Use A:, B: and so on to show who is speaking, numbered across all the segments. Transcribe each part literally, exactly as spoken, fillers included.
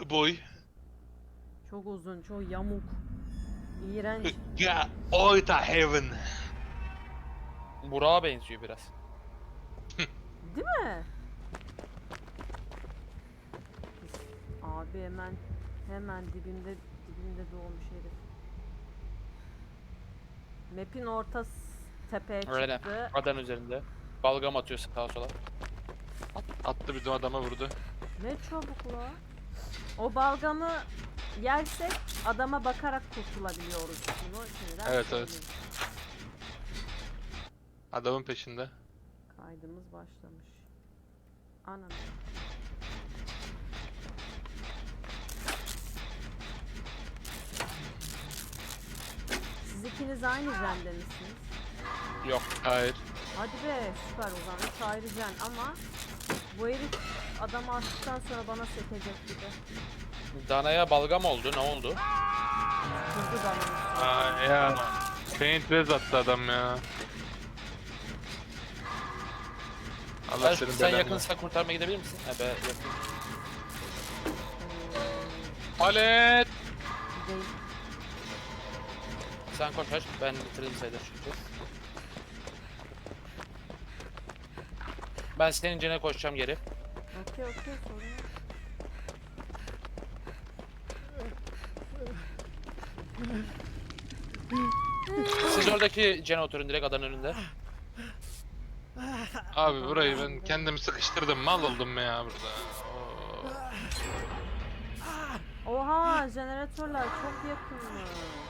A: Boy.
B: Çok uzun, çok yamuk. İğrenç.
A: Ya Oita Heaven.
C: Burak'a benziyor biraz.
B: Değil mi? Abi hemen hemen dibimde dibimde doğmuş herif. Map'in ortası tepeye
C: Öyle.
B: çıktı.
C: Adan üzerinde. Balgam atıyor sağa sola.
A: Attı bir de adama vurdu.
B: Ne çabuk la. O balgamı yersek adama bakarak kurtulabiliyoruz. Bunu şimdiden
A: Evet, evet.
B: söyleyeyim.
A: Adamın peşinde.
B: Kaydımız başlamış. Anam. Siz ikiniz aynı jende misiniz?
C: Yok.
A: Hayır.
B: Hadi be, süper, o zaman üç ayrı jen ama bu herif adamı attıktan sonra bana sekecek gibi.
C: Dana'ya balgam oldu. Ne oldu?
B: Vurdu bana.
A: Aa ya. Paint res attı adam ya. Allah
C: Sen,
A: senin
C: sen
A: belanı.
C: yakınsa kurtarmaya gidebilir misin? He be yakın.
A: Palet.
B: Değil.
C: Sen koş aç. Ben bitirdim sayılır çünkü. Ben senin cene koşacağım geri.
B: Okey okey, sorun yok.
C: Siz oradaki cene oturun direkt adanın önünde.
A: Abi burayı ben kendimi sıkıştırdım. Mal oldum ya burada. Oo.
B: Oha, jeneratörler çok yakınmış.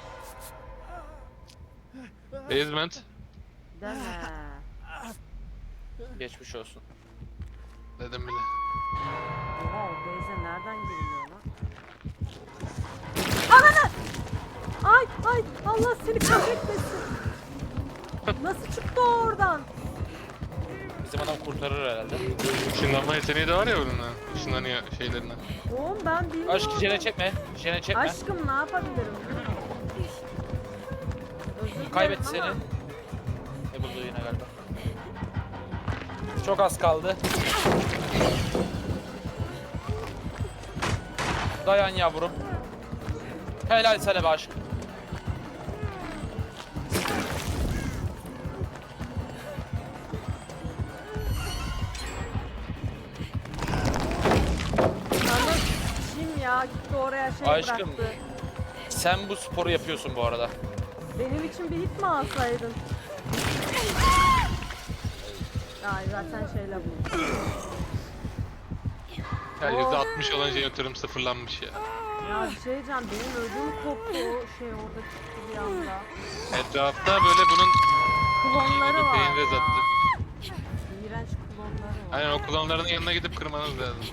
A: Basement.
B: Deme.
C: Geçmiş olsun.
A: Dedim bile.
B: Oha, o base'e nereden giriliyor lan? Ananı! Ay ay, Allah seni kahretmesin. Nasıl çıktı o oradan?
C: Bizim adam kurtarır herhalde.
A: Işınlanma yeteneği de var ya bunun. Işınlanıyor şeylerine.
B: Oğlum ben bilmiyorum.
C: Aşkı cene çekme. Cene çekme.
B: Aşkım ne yapabilirim? Özür dilerim
C: Kaybetti seni.
B: ama
C: Ne buldu yine galiba. Çok az kaldı. Dayan yavrum. Helal sana be aşk.
B: sana kim ya gitti oraya şey
C: Aşkım.
B: bıraktı.
C: Sen bu sporu yapıyorsun bu arada.
B: Benim için bir hit mi alsaydın? Ay zaten şeyle bu.
A: Ya yüzde altmış olan jeneratörüm sıfırlanmış ya.
B: Ya bir şey diyeceğim, benim ödüm koptu o şey orada çıktı bir anda.
A: Etrafta böyle bunun
B: Klonları var.
A: paint res attı.
B: İğrenç klonları var.
A: Aynen o klonların yanına gidip kırmanız lazım.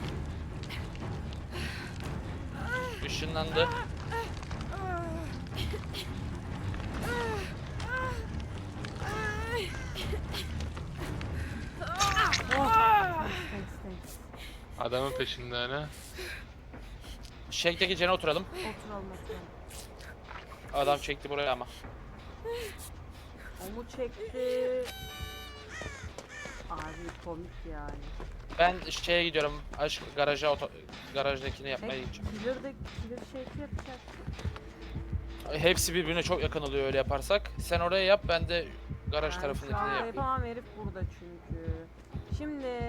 C: Işınlandı.
B: Oh. Thanks, thanks.
A: Adamın peşinde hani.
C: Shake'deki cene oturalım.
B: Oturalım oturalım.
C: Adam çekti buraya ama.
B: O mu çekti? Abi komik yani.
C: Ben şeye gidiyorum. Aşk garaja oto garajdakini yapmaya
B: Hey,
C: gideceğim.
B: killer de killer shape yapacak.
C: Hepsi birbirine çok yakın oluyor öyle yaparsak. Sen oraya yap, ben de garaj
B: Ben şu
C: tarafındakini
B: anda
C: yapayım.
B: yapamam, herif burada çünkü. Şimdi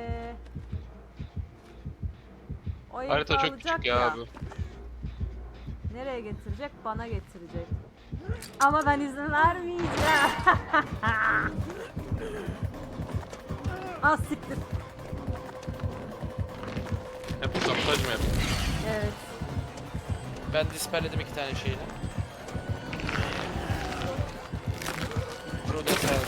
B: o herifi
A: Harita çok
B: alacak
A: küçük ya abi.
B: Nereye getirecek? Bana getirecek. Ama ben izin vermeyeceğim. Az siktir.
A: Hep sabotaj mı yapıyor?
B: Evet.
C: Ben disperledim iki tane şeyini. Burada sen.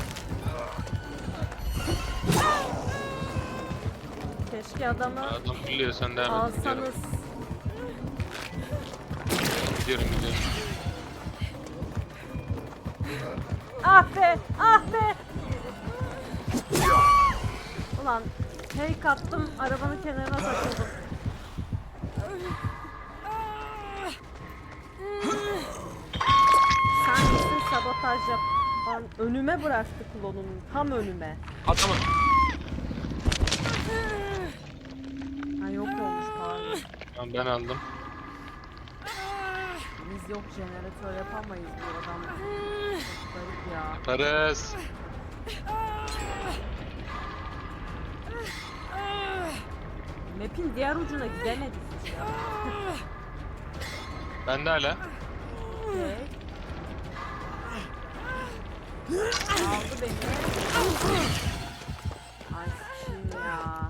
B: Keşke adamı
A: Adam biliyor sen devam et. Gidiyorum.
B: alsanız.
A: Gidiyorum gidiyorum.
B: Ah be! Ah be! Ulan fake attım, arabanın kenarına takıldım. Sen misin sabotaj yap? Lan önüme bıraktı klonunu, tam önüme.
C: Adamı.
B: Ha yok olmuş pardon.
A: Tamam, ben aldım.
B: Biz yok jeneratör yapamayız bu adam. Çok garip ya.
A: Yaparız.
B: Map'in diğer ucuna gidemedik hiç ya.
A: Ben de hala.
B: Okey. Aldı beni. Ay şimdi ya.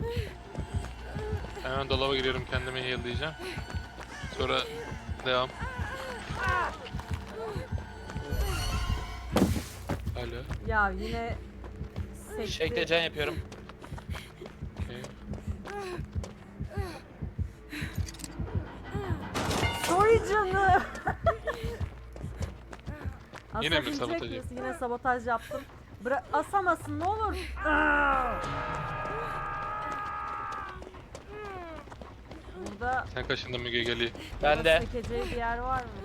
A: Hemen dolaba giriyorum, kendimi heal'layacağım. Sonra devam. Alo.
B: Ya yine sekti.
C: Şekle can yapıyorum.
A: Okay.
B: Soy canı.
A: Yine mi
B: Asabilecek
A: sabotaj
B: misin? Yine sabotaj yaptım. Bıra asamasın ne olur. Burada
A: Sen kaşındın Müge, geliyor.
C: Ben de.
B: sekeceği bir yer var mı?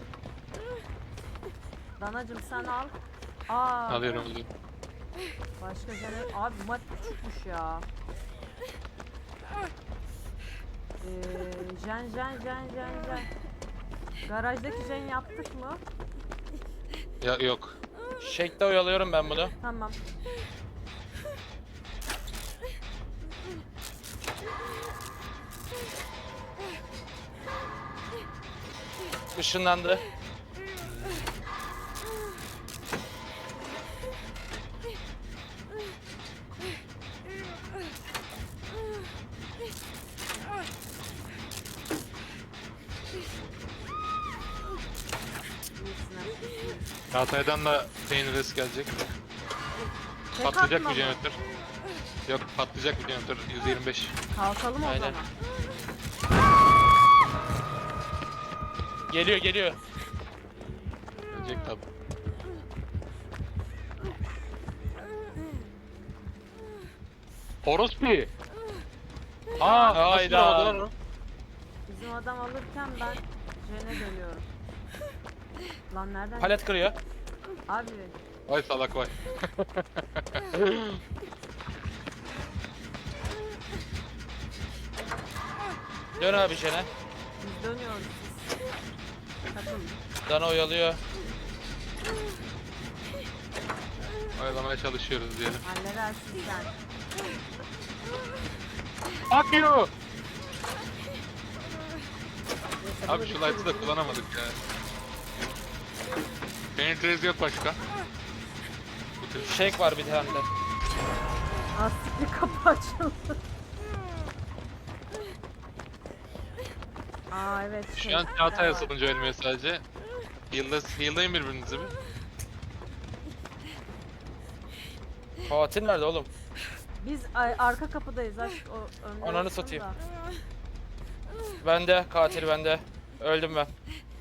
B: Danacım sen al. Aa,
A: Alıyorum alıyorum.
B: başka jener... Abi bu map küçükmüş ya. Ee, jen jen jen jen jen. Garajdaki jen yaptık mı?
A: Ya yok.
C: Şekle oyalıyorum ben bunu.
B: Tamam.
C: Işınlandı.
B: İyisine.
A: Çağatay'dan da pain risk gelecek.
B: Tek
A: Patlayacak
B: atma
A: bir
B: mı?
A: jeneratör. Yok, patlayacak bir jeneratör. yüz yirmi beş.
B: Kalkalım o
C: Aynen.
B: zaman.
C: Geliyor geliyor.
A: Gelecek tabi. Orospu. Aa, nasıl
C: hayda.
A: oldu lan o?
B: Bizim adam alırken ben jene dönüyorum. Lan nereden?
C: Palet kırıyor.
B: Abi
A: Vay salak vay.
C: Dön abi jene.
B: biz dönüyoruz siz. Takılın.
C: Dana oyalıyor.
A: Oyalamaya çalışıyoruz diyelim.
B: Halledersin sen.
A: Fuck you!
B: Neyse,
A: Abi
B: bunu
A: şu light'ı da
B: bitiririz.
A: kullanamadık ya. Penetrez yok başka. Bitir.
C: Shake var bir tane de.
B: Astikli kapı açıldı. Aa evet.
A: Şu an
B: şey,
A: Çağatay
B: var.
A: asılınca ölmüyor sadece. Heal'da, heal'layın birbirinizi bir.
C: Katil nerede oğlum?
B: Biz ay, arka kapıdayız aşk o önde
C: Ananı
B: olsun
C: satayım.
B: da.
C: Bende. Katil bende. Öldüm ben.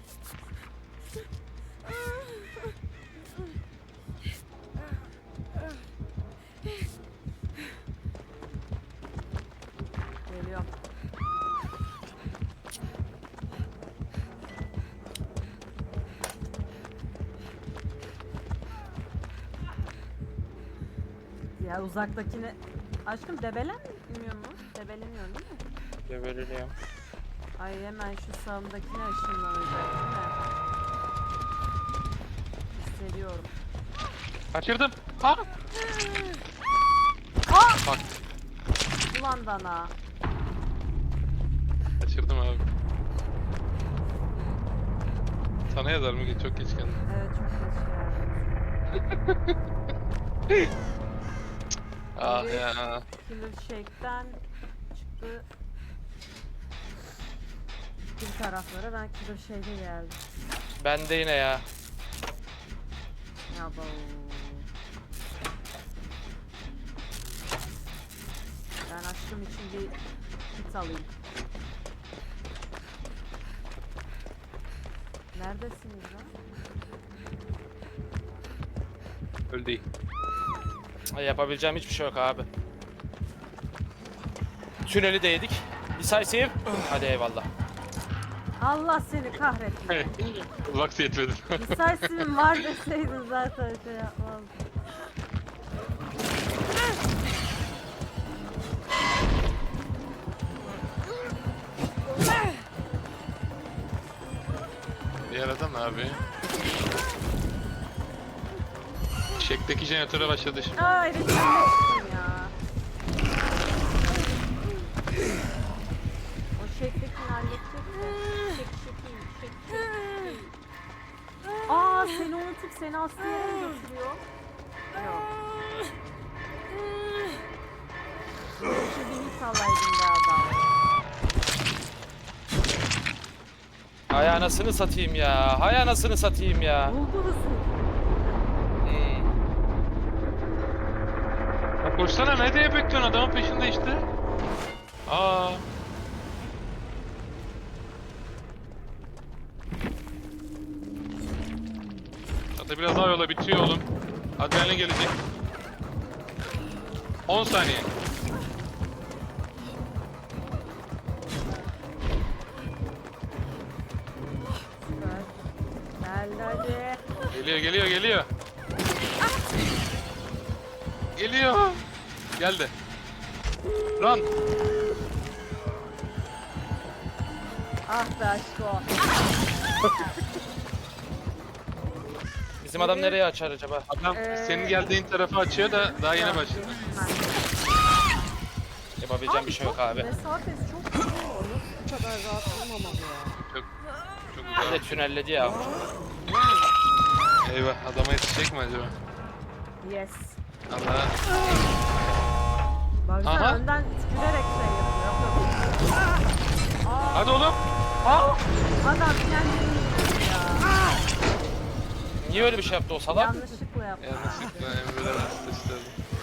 B: Geliyor. Ya uzaktakine... Aşkım debelenmiyor mu? Debeleniyorsun değil mi?
C: Geberiliyorum.
B: Ay hemen şu sağımdakine ışınlanacak değil mi? Hissediyorum.
A: Kaçırdım. Ha!
B: Aa!
A: Bak,
B: Ulan dana.
A: kaçırdım abi. Sana yazar mı? Çok geç geldin.
B: Evet çok geç geldim.
A: Ah
B: Evet.
A: ya.
B: Killer Shake'den çıktı. Bir taraflara ben Killer Shake'e geldim.
C: Bende yine ya.
B: Ya bu. Ben aşkım için bir kit alayım. Neredesiniz lan?
A: Öyle değil.
C: Ay, yapabileceğim hiçbir şey yok abi. Tüneli de yedik. Decisive. Hadi eyvallah.
B: Allah seni kahretsin.
A: Lux yetmedi.
B: Decisive'in var deseydin zaten şey yapmazdım.
A: Yaradan abi. Şekteki jeneratöre başladı şimdi.
B: Aa evet ben de çıktım ya. O şeklikini halledecek mi? Şek şekil, şek şekil. Aa seni unutup seni aslı yere mi götürüyor? Yok. Şu bir hit alaydın be adam.
C: Hay anasını satayım ya. Hay anasını satayım ya.
B: Buldu hızı.
C: Hmm.
A: Ya koşsana, ne diye bekliyorsun, adamın peşinde işte. Aa. Hatta biraz daha yola bitiyor oğlum. Adrenalin gelecek. on saniye.
B: Süper. Geldi hadi.
A: Geliyor geliyor geliyor. Geliyor. Geldi. Run.
B: Ah be aşko.
C: Bizim adam nereye açar acaba?
A: Adam
B: Ee,
A: senin geldiğin tarafı açıyor da daha yeni başladı.
C: Yapabileceğim bir şey yok abi.
B: Mesafesi çok uzun. Nasıl bu kadar rahat olmamalı ya?
A: Çok çok
C: Bir de
A: güzel.
C: tünelledi ya.
A: Eyvah, adama yetişecek mi acaba?
B: Yes.
A: Allah.
B: Baksana
A: Aha.
B: önden tükürerek şey yapıyor. Aa,
A: Hadi oğlum. Aa.
B: adam kendini yiyor ya.
C: Niye öyle bir şey yaptı o salak?
B: Yanlışlıkla yaptı.
A: Yanlışlıkla Emre'den asist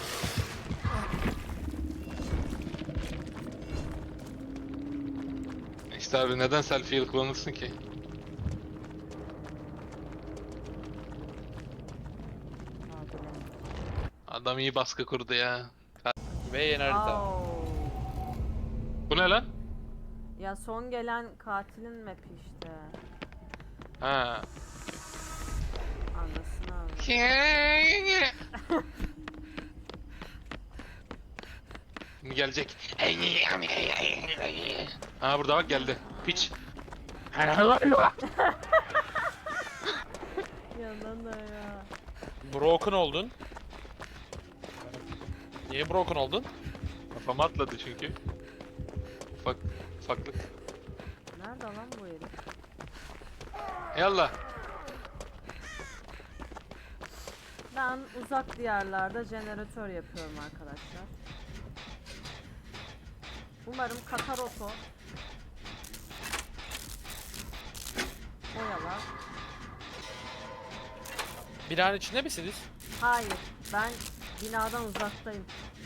A: İşte abi, neden selfie yıl kullanırsın ki? Adam iyi baskı kurdu ya.
C: Ve yeni harita.
B: Au.
A: Bu ne lan?
B: Ya son gelen katilin map'i işte.
A: Ha.
B: Anlasın abi.
A: Şimdi gelecek. Ha burada bak, geldi. Piç.
B: Yandan da ya.
C: Broken oldun. Niye broken oldun?
A: Kafama atladı çünkü. Ufak, ufaklık.
B: Nerede lan bu herif?
A: Yallah.
B: Ben uzak diyarlarda jeneratör yapıyorum arkadaşlar. Umarım Kakaroto oyalar.
C: Binanın içinde misiniz?
B: Hayır, ben binadan uzaktayım.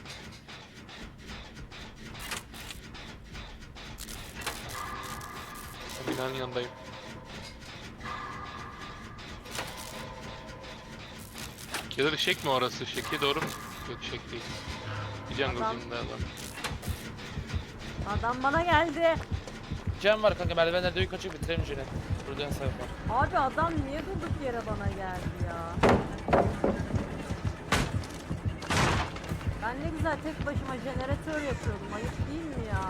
A: Binanın yanındayım. Ya da şek mi orası? Şeki doğru mu? Yok, şek değil. Bir jungle'cıyım adam.
B: Adam bana geldi.
C: Cem var kanka, merdivenlerde yukarı çık bitirelim jeni. Burada hesap var.
B: Abi adam niye durduk yere bana geldi ya? Ben ne güzel tek başıma jeneratör yapıyordum. Ayıp değil mi ya?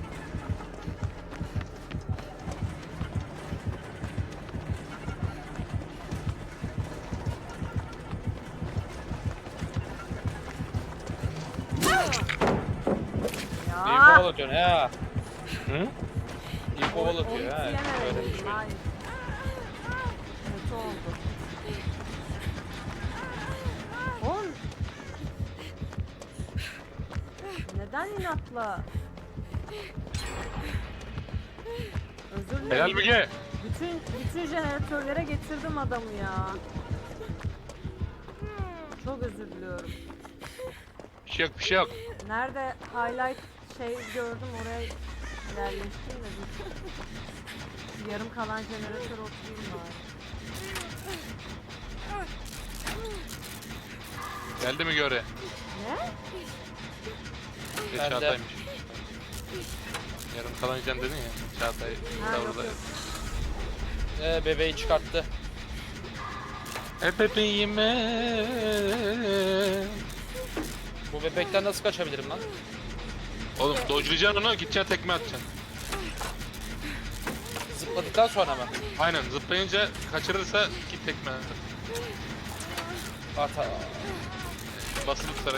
C: İyi
B: Ya.
C: kovalatıyorsun ha.
A: Hı?
C: İyi kovalatıyor ha.
B: Onu
C: Öyle bir
B: yememeliydim,
C: şey.
B: hayır. Kötü oldu. Oğlum. Neden inatla? Özür dilerim.
A: Helal Müge.
B: Bütün bütün jeneratörlere getirdim adamı ya. Çok özür diliyorum.
A: Bir şey yok, bir şey yok.
B: Nerede highlight şey gördüm oraya yerleştim de dur. Şu yarım kalan jeneratör oturayım bari.
A: Geldi mi göre?
B: Ne?
A: Bir
C: Ben de.
A: Çağatay'mış. Yarım kalan can dedin ya. Çağatay
B: Ha,
A: da
B: yok,
A: burada.
B: yok.
C: Ee, bebeği çıkarttı.
A: E bebeğime.
C: Bu bebekten nasıl kaçabilirim lan?
A: Oğlum dodge'layacaksın onu, gideceksin tekme atacaksın.
C: Zıpladı Zıpladıktan sonra mı?
A: Aynen zıplayınca kaçırırsa iki tekme.
C: Ata.
A: Basılı tutarak.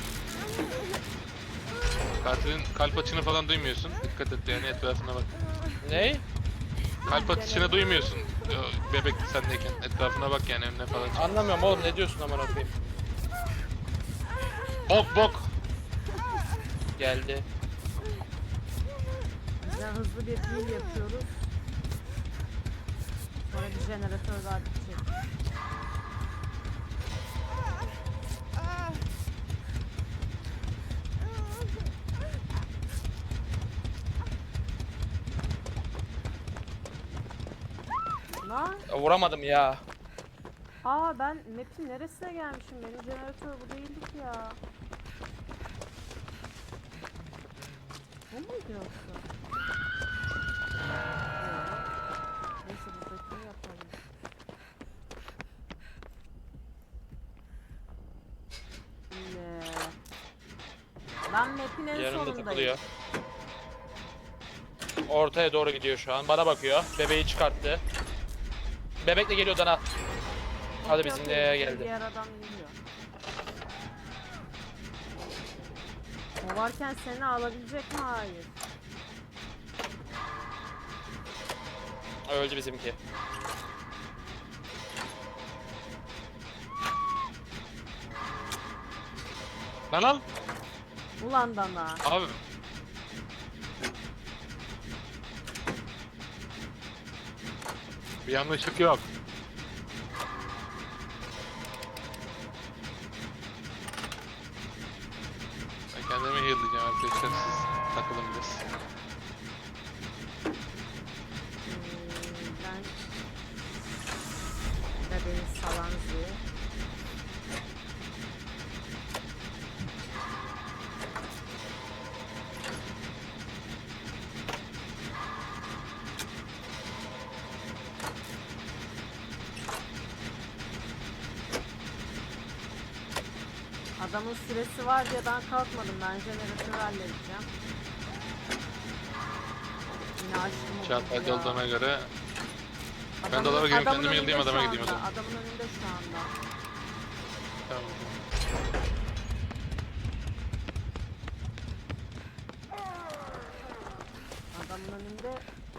A: Katilin kalp atışını falan duymuyorsun. Dikkat et yani etrafına bak.
C: Ney?
A: Kalp atışını duymuyorsun. Yo, bebek sendeyken etrafına bak yani önüne falan. Çık.
C: Anlamıyorum oğlum, ne diyorsun aman okuyayım.
A: Bok bok.
C: Geldi.
B: Güzel hızlı bir pil yapıyoruz. Sonra bir jeneratör daha bitecek. Lan.
C: Ya, vuramadım ya.
B: Aa ben map'in neresine gelmişim? Benim jeneratör bu değildi ki ya. Bu muydu yoksa? Yok. Neyse buradakini yapalım. Ne? Ben map'in en
C: Yanımda
B: sonundayım.
C: takılıyor. Ortaya doğru gidiyor şu an. Bana bakıyor. Bebeği çıkarttı. Bebek de geliyor Dana. Hadi
B: Okey,
C: bizimle
B: okey,
C: geldi.
B: Diğer adam geliyor. O varken seni alabilecek mi? Hayır.
C: Öldü bizimki.
A: Lan al.
B: Ulan Dana.
A: Abi. Bir yanlışlık yok. Ben kendimi heal'layacağım arkadaşlar, siz takılın biraz.
B: Hmm, ben bebeğin salanzı. Adamın süresi var diye ben kalkmadım. Ben jeneratörü halledeceğim. Yine açtım o
A: Çağatay
B: kutuyu ya.
A: olduğuna göre ben
B: Adamın-
A: dolaba gireyim,
B: adamın
A: kendimi
B: önünde
A: yıldayım, adama
B: şu
A: gideyim o
B: anda,
A: zaman.
B: Adamın önünde şu anda.
A: Tamam.
B: Adamın önünde.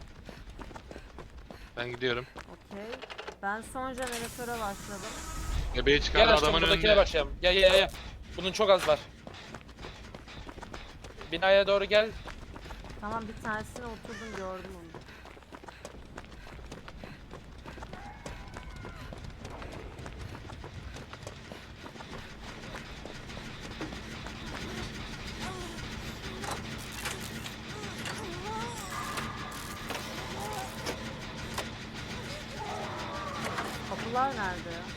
A: Ben gidiyorum.
B: Okey. Ben son jeneratöre başladım.
A: Bebeği çıkardı
C: Gel aşkım,
A: adamın
C: buradakine
A: önünde.
C: başlayalım. Gel gel gel. Bunun çok az var. Binaya doğru gel.
B: Tamam bir tanesine oturdum gördüm onu. Kapılar nerede ya?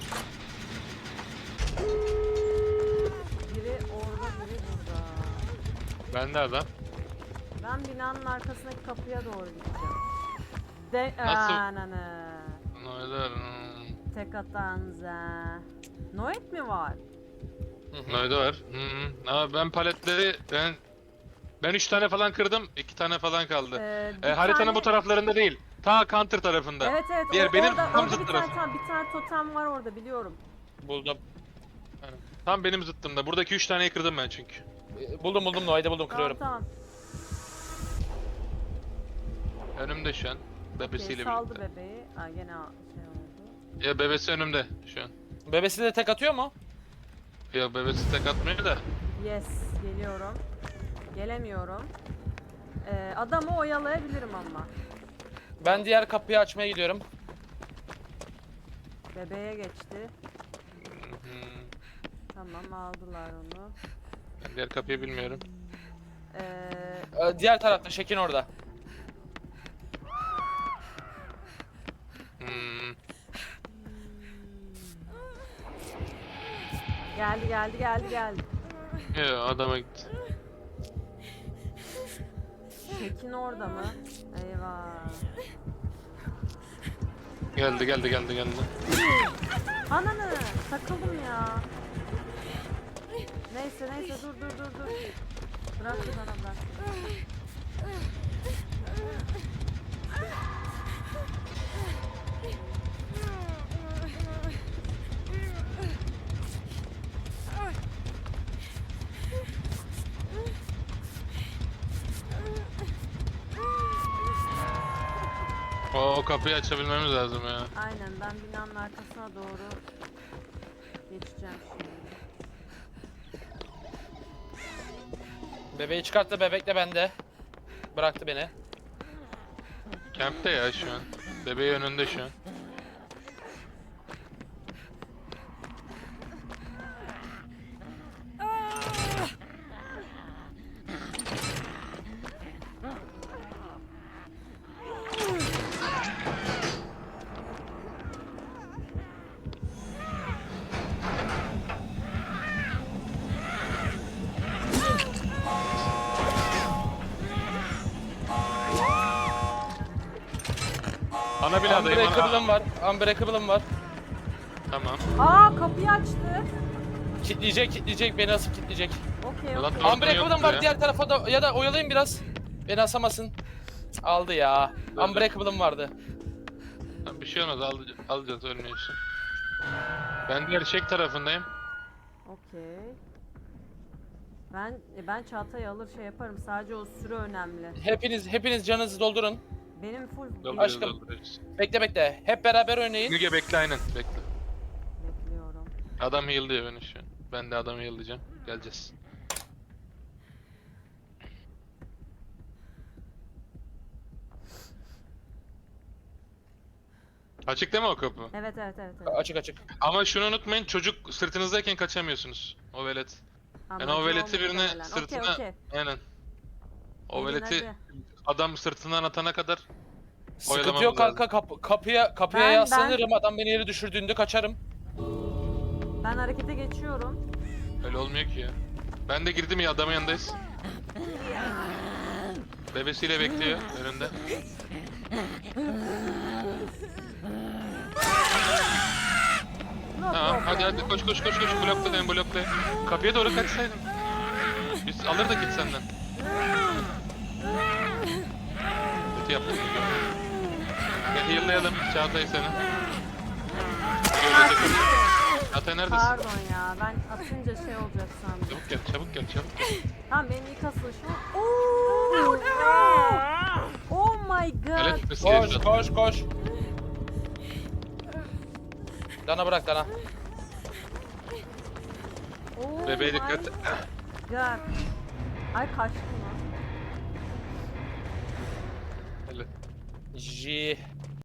B: Biri orada, biri burada.
A: Ben de adam.
B: Ben binanın arkasındaki kapıya doğru gideceğim. De
A: Nasıl?
B: Ananı.
A: Noyder. hmm.
B: Tek atanza. Noet mi var?
C: Hı hı.
A: Noyder var. Hı hı. Ama ben paletleri ben ben üç tane falan kırdım. iki tane falan kaldı.
B: Ee, bir
A: E, haritanın
B: tane-
A: bu taraflarında değil. Ta counter tarafında.
B: Evet evet.
A: Diğer
B: o-
A: benim
B: orada,
A: tam
B: orada
A: zıt
B: bir
A: tarafı.
B: tane, tamam, bir tane totem var orada biliyorum.
C: Buldum.
A: Aynen. Tam benim zıttımda. Buradaki üç taneyi kırdım ben çünkü.
C: Ee, Buldum buldum Noah'yı buldum, kırıyorum.
B: Tamam
A: Önümde şu an.
B: tamam.
A: Bebesiyle
B: Okey, saldı
A: birlikte.
B: bebeği. Aa, gene şey oldu.
A: Ya bebesi önümde şu an.
C: Bebesi de tek atıyor mu?
A: Ya bebesi tek atmıyor da.
B: Yes, geliyorum. Gelemiyorum. Ee, adamı oyalayabilirim ama.
C: Ben diğer kapıyı açmaya gidiyorum.
B: Bebeğe geçti.
A: Hmm.
B: Tamam aldılar onu.
A: Ben diğer kapıyı bilmiyorum.
B: Ee,
C: Ee, diğer tarafta Şekin orada.
A: Hmm.
B: geldi geldi geldi geldi.
A: Ya adama gitti.
B: Tekin orada mı? Eyvah.
A: Geldi geldi geldi geldi.
B: Ananı takıldım ya. Neyse neyse dur dur dur dur. Bırak bana bırak.
A: O, o kapıyı açabilmemiz lazım ya.
B: Aynen, ben binanın arkasına doğru geçeceğim şimdi.
C: Bebeği çıkarttı, bebek de bende. Bıraktı beni.
A: Camp'te ya şu an. Bebeği önünde şu an. Ana binadayım. Ana...
C: Unbreakable'ım var. Unbreakable'ım var.
A: Tamam.
B: Aa, kapıyı açtı.
C: Kitleyecek, kitleyecek. Beni asıp kitleyecek.
B: Okey
A: Ulan
B: okey.
A: Orada
C: Unbreakable'ım
A: yoktu
C: var
A: ya.
C: diğer tarafa da, ya da oyalayın biraz. Beni asamasın. Cık, aldı ya.
A: Dur, dur.
C: Unbreakable'ım vardı.
A: Tamam, bir şey olmaz, al, alacağız ölmeyi için. Ben diğer çek tarafındayım.
B: Okey. Ben e, ben çantayı alır şey yaparım. Sadece o süre önemli.
C: Hepiniz hepiniz canınızı doldurun.
B: Benim full
A: Dolduruyoruz,
C: Aşkım.
A: dolduruyoruz.
C: Bekle bekle. Hep beraber oynayın.
A: Müge bekle, aynen bekle.
B: bekliyorum.
A: Adam heal'lıyor beni şu an. Ben de adamı heal'layacağım. Geleceğiz. Açık değil mi o kapı?
B: Evet evet evet. evet.
C: Açık açık.
A: Ama şunu unutmayın, çocuk sırtınızdayken kaçamıyorsunuz. O velet. Yani
B: Amacı
A: o veleti
B: o
A: birine
B: muhtemelen.
A: sırtına...
B: Okey okey.
A: Aynen. O
B: Gelin
A: veleti
B: hadi.
A: adam sırtından atana kadar
C: Sıkıntı
A: Oyalamamız
C: yok kanka. Kap- kapıya kapıya
B: Ben-
C: yaslanırım. Adam beni yere düşürdüğünde kaçarım.
B: Ben harekete geçiyorum.
A: öyle olmuyor ki ya. Ben de girdim ya, adamın yanındayız. Bebesiyle bekliyor önünde.
B: No
A: Tamam, hadi
B: problem.
A: hadi koş koş koş koş, blokla beni, blokla. Kapıya doğru kaçsaydın. Biz alırdık git senden. Kötü yaptık. Gel heal'layalım Çağatay seni. Çağatay neredesin?
B: Pardon ya, ben atınca şey olacak sandım.
A: Çabuk gel, çabuk gel, çabuk gel.
B: Tamam, benim ilk asılışım. Oh, oh my god.
A: Elektrik
C: Koş
A: yaşadı.
C: koş koş. Dana bırak Dana.
B: Oh
A: Bebeğe
B: my
A: dikkat.
B: god. Ay kaçtım lan.
A: Hele.
C: J.